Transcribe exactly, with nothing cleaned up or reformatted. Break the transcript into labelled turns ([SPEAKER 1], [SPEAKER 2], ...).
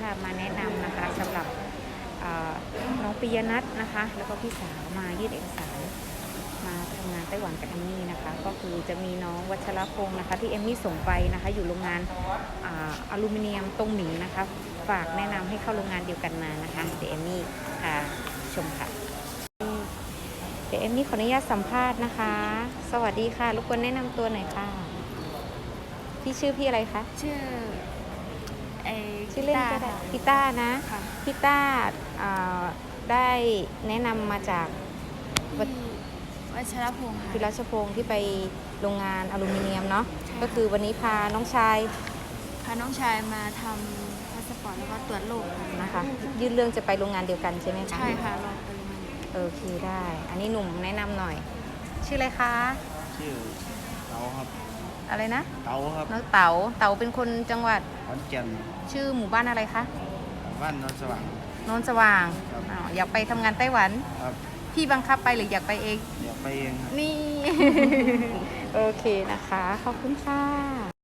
[SPEAKER 1] ค่ะมาแนะนำนะคะสำหรับน้องปิยนัทนะคะแล้วก็พี่สาวมายื่นเอกสารมาทำงานไต้หวันกับเอมมี่นะคะก็คือจะมีน้องวัชรพงศ์นะคะที่เอมมี่ส่งไปนะคะอยู่โรงงานอลูมิเนียมตรงหมิงนะคะฝากแนะนำให้เข้าโรงงานเดียวกันมานะคะเดี๋ยวเอมมี่ค่ะชมค่ะเดี๋ยวเอมมี่ขออนุญาตสัมภาษณ์นะคะสวัสดีค่ะรบกวนแนะนำตัวหน่อยค่ะพี่ชื่อพี่อะไรคะ
[SPEAKER 2] ชื่อไอ
[SPEAKER 1] ชื่อเล่นก็ได้พี่ต้านะพี่ต้าได้แนะนำมาจาก
[SPEAKER 2] วัชรพงศ์ค่ะ
[SPEAKER 1] พี่รัชพงศ์ที่ไปโรงงานอลูมิเนียมเนาะก็คือวันนี้พาน้องชาย
[SPEAKER 2] พาน้องชายมาทำพาสปอร์ตแล้วก็ตรวจโรค
[SPEAKER 1] นะคะยื่นเรื่องจะไปโรงงานเดียวกันใช่ไหมคะ
[SPEAKER 2] ใช่ค่ะเราไปโรงงาน
[SPEAKER 1] โอเคได้อันนี้หนุ่มแนะนำหน่อยชื่ออะไรคะ
[SPEAKER 3] ชื่อเต๋าครับ
[SPEAKER 1] อะไรนะ
[SPEAKER 3] เต๋าครับ
[SPEAKER 1] น้องเต๋าเต๋าเป็นคนจังหวัด
[SPEAKER 3] ขอนแก่น
[SPEAKER 1] ชื่อหมู่บ้านอะไรคะ
[SPEAKER 3] บ้านโนนสว่าง
[SPEAKER 1] โนนสว่างอยากไปทำงานไต้หวัน
[SPEAKER 3] ครับ
[SPEAKER 1] พี่บังคับไปหรืออยากไปเอง
[SPEAKER 3] อยากไปเอง
[SPEAKER 1] นี่ โอเคนะคะขอบคุณค่ะ